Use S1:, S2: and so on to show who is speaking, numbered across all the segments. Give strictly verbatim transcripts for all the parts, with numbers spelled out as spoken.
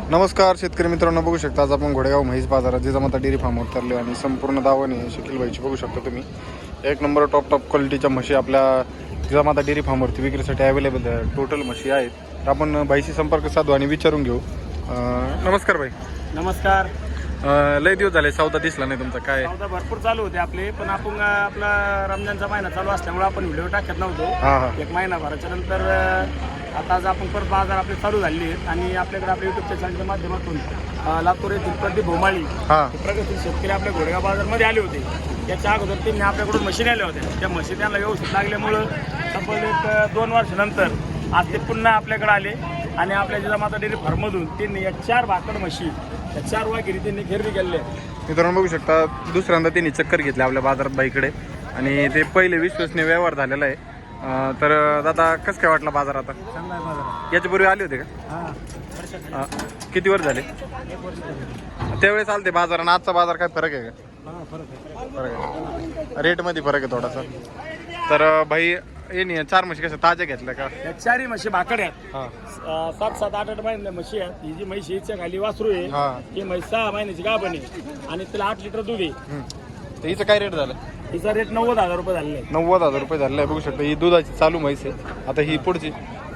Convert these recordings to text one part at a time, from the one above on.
S1: नमस्कार शेतकरी मित्रांनो, बघू शकता आज आपण घोडेगाव म्हैस बाजारात जिजामाता डेअरी फार्मवर उतरले आणि संपूर्ण दावणी शकील भाईची बघू शकता तुम्ही. एक नंबर टॉप टॉप क्वालिटीच्या म्हशी आपल्या जिजामाता डेअरी फार्मवरती विक्रीसाठी अवेलेबल आहे. टोटल म्हशी आहेत. तर आपण भाईशी संपर्क साधू आणि विचारून घेऊ. नमस्कार भाई.
S2: नमस्कार.
S1: लय दिवस झाले सौदा दिसला नाही तुमचा. काय
S2: सौदा भरपूर चालू होते आपले, पण आपण आपला रमजानचा महिना चालू असल्यामुळे आपण व्हिडिओ टाकत नव्हतो.
S1: हां हां
S2: एक महिनाभराच्या नंतर आता आज आपण परत बाजार आपले चालू झाले आहेत आणि आपल्याकडे आपल्या युट्यूबच्या चॅनलच्या माध्यमातून लातूर येथील प्रदीप भोमाळी
S1: हां
S2: प्रगतशील शेतकरी आपल्या घोडेगाव बाजारमध्ये आले होते. त्याच्या अगोदर त्यांनी आपल्याकडून मशीन आल्या होत्या. त्या मशीन त्यांना व्यवस्थित लागल्यामुळं तब्बल एक दोन वर्षानंतर आज ते पुन्हा आपल्याकडे आले आणि आपल्या जिजामाता डेअरी फार्ममधून त्यांनी या चार भाकड म्हशी या चार वाघिरी त्यांनी खरेदी केलेले आहेत.
S1: मित्रांनो बघू शकता दुसऱ्यांदा त्यांनी चक्कर घेतली आपल्या बाजारात बाईकडे आणि ते पहिले विश्वसनीय व्यवहार झालेला आहे. तर दादा कसं काय वाटलं बाजार आता?
S2: चांगला आहे बाजार.
S1: याच्यापूर्वी आले होते का?
S2: हां,
S1: किती वर्ष झाले? त्यावेळेस आलते बाजार आणि आजचा बाजार काय फरक आहे का?
S2: हां, फरक आहे.
S1: फरक आहे, रेटमध्ये फरक आहे थोडासा. तर भाई ये नाही चार म्हशी कसं ताज्या घेतल्या का?
S2: या चारही म्हशी भाकड आहेत.
S1: हां
S2: अं, सात सात आठ आठ महिन्याच्या म्हशी आहेत. ही जी म्हशी हिच्या खाली वासरू आहे,
S1: हां
S2: ही म्हैस सहा महिन्याची गाभण आहे आणि तिला आठ लिटर दूध आहे.
S1: तर हिचं काय रेट झालं?
S2: हिचा रेट नव्वद हजार रुपये झालेला आहे.
S1: नव्वद हजार रुपये झालेलं आहे. बघू शकता ही दुधाची चालू म्हैस आहे. आता ही पुढची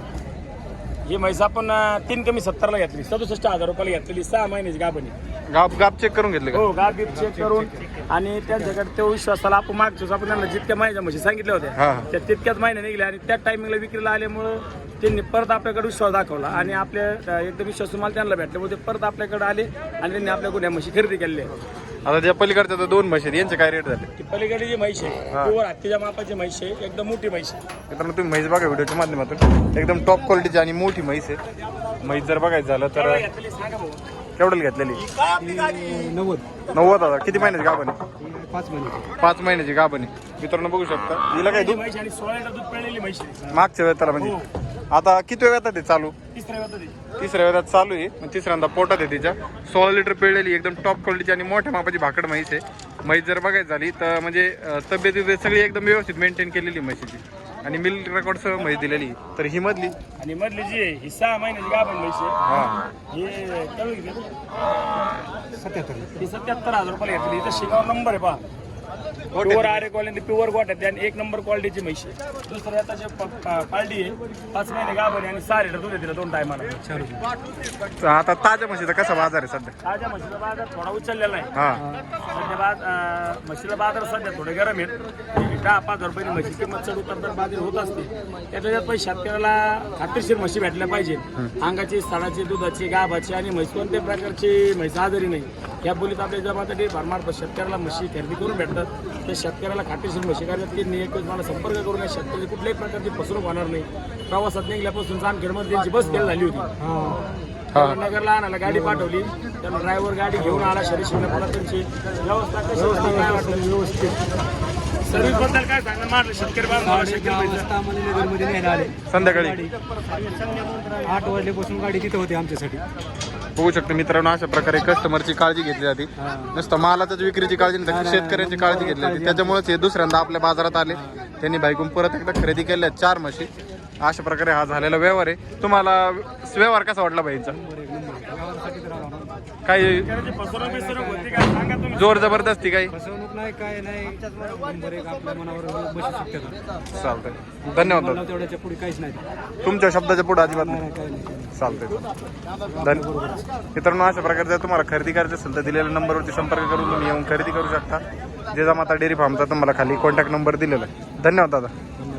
S2: ही म्हैस आपण अं, तीन कमी सत्तरला घेतली, सदुसष्ट हजार रुपयाला घेतलेली, सहा महिन्याची गाभण आहे.
S1: गाप गाप चेक करून घेतले का?
S2: हो, गाभ बीप चेक करून आणि त्यांच्याकडे तो विश्वासाला आपण मागचोच आपण त्यांना जितक्या महिन्याच्या म्हशी सांगितल्या होत्या
S1: हां
S2: त्या तितक्याच महिन्या निघल्या आणि त्या टायमिंगला विक्रीला आल्यामुळं त्यांनी परत आपल्याकडे विश्वास दाखवला आणि आपल्या अं, एकदम विश्वास तुम्हाला त्यांना भेटल्यामुळे ते परत आपल्याकडे आले आणि त्यांनी आपल्याकडून या म्हशी खरेदी केलेल्या आहेत.
S1: आता ज्या पलीकडच्या तर दोन म्हशी आहेत, यांचे काय रेट झाले?
S2: ती पलीकडे जी म्हैस आहे
S1: हा.
S2: प्युअर हत्तीच्या मापाची म्हैस आहे, एकदम मोठी म्हैस आहे.
S1: मित्रांनो तुम्ही म्हैस बघा व्हिडिओच्या माध्यमातून. एकदम टॉप क्वालिटीची आणि मोठी म्हैस आहे. म्हैस जर बघायचं झालं तर
S2: केवढ्याला घेतलेली सांगा भाऊ.
S1: केवढ्याला घेतलेली?
S2: नव्वद
S1: नव्वद हजार. किती महिन्याची गाभण आहे?
S2: पाच महिने
S1: पाच महिन्याची गाभण आहे. मित्रांनो बघू शकता हिला काय दूध
S2: म्हैस आणि सोळा लिटर दूध पिळलेली म्हैस आहे.
S1: मागच्या वेळेला म्हणजे आता किती वेळ येतात ते चालू?
S2: तिसऱ्या वेळात ती.
S1: तिसऱ्या वेळात चालू आहे. मग तिसऱ्यांदा पोटात आहे तिच्या. सोळा लिटर पिळलेली एकदम टॉप क्वालिटीची आणि मोठ्या मापाची भाकड म्हैस आहे. म्हैस जर बघायची झाली तर म्हणजे तब्येत वगैरे सगळी एकदम व्यवस्थित मेंटेन केलेली म्हशीची आणि मिल्क रेकॉर्डसह म्हैस दिलेली. तर ही मधली
S2: आणि मधली जी आहे ही सहा महिन्याची गाभण म्हैस आहे.
S1: हा
S2: हे केवढी घेतली? सत्याहत्तर. ही सत्याहत्तर हजार रुपयाला घेतली. इथं शिकावर नंबर आहे पहा. प्युअर आरे क्वालिटी प्युअर गोट्यात आणि एक नंबर क्वालिटीची म्हैस आहे. दुसरं आता जे पालटी आहे पाच महिने गाभण आणि सहा लिटर दूध आहे तिला दोन टायमाला.
S1: आता ताज्या म्हशीचा कसा बाजार आहे सध्या?
S2: ताज्या म्हशीचा बाजार थोडा उचललेला आहे.
S1: हा
S2: सध्या बाज अं, म्हशीला बाजार सध्या थोडे गरम आहेत. दहा पाच हजार रुपये म्हशी किंमत चढ उतर तर बाजार होत असते. त्याच्यात पण शेतकऱ्याला खात्रीशीर म्हशी भेटल्या पाहिजे. अंगाची साडाची दुधाची गाभाची आणि म्हैस कोणत्याही प्रकारची म्हैस आजारी नाही. या बोलीत आपल्या जमात फार्मार्फत शेतकऱ्याला म्हशी खरेदी करून भेटतात. त्या शेतकऱ्याला खात्रीशीर म्हशी करतात की एकच मला संपर्क करून या शेतकरी कुठल्याही प्रकारची फसवणूक होणार नाही. प्रवासात निघल्यापासून जामखेडमध्ये त्यांची बस फेल झाली होती. त्यांना नगरला आणायला गाडी पाठवली. त्यांना ड्रायव्हर गाडी घेऊन आला. शरीर शिकण्यापुढे त्यांची व्यवस्था कशी होती काय वाटलं व्यवस्थित सर्व्हिस बद्दल काय सांगा म्हटलं शेतकरी नगरमध्ये न्यायला आले.
S1: संध्याकाळी
S2: आठ वाजल्यापासून गाडी तिथे होती आमच्यासाठी.
S1: बघू शकतो मित्रांनो अशा प्रकारे कस्टमरची काळजी घेतली जाते. नुसतं मालाच्याच विक्रीची काळजी नाही तर शेतकऱ्यांची काळजी घेतली जाते. त्याच्यामुळेच हे दुसऱ्यांदा आपल्या बाजारात आले. त्यांनी बाईकून परत एकदा खरेदी केल्या चार म्हशी. अशा प्रकारे हा झालेला व्यवहार आहे. तुम्हाला व्यवहार कसा वाटला बाईचा? काही जोर जबरदस्ती काही
S2: फसवणूक नाही काय नाही. आपल्या मनावर
S1: चालतंय. धन्यवाद.
S2: तेवढ्याच्या पुढे काहीच नाही.
S1: तुमच्या शब्दाच्या पुढे अजिबात नाही.
S2: काय नाही.
S1: चालतंय. धन्यवाद. मित्रांनो अशा प्रकारे जर तुम्हाला खरेदी करायचं असेल तर दिलेल्या नंबरवरती संपर्क करून तुम्ही येऊन खरेदी करू शकता. जिजामाता डेअरी फार्मचा तुम्हाला खाली कॉन्टॅक्ट नंबर दिलेला आहे. धन्यवाद दादा.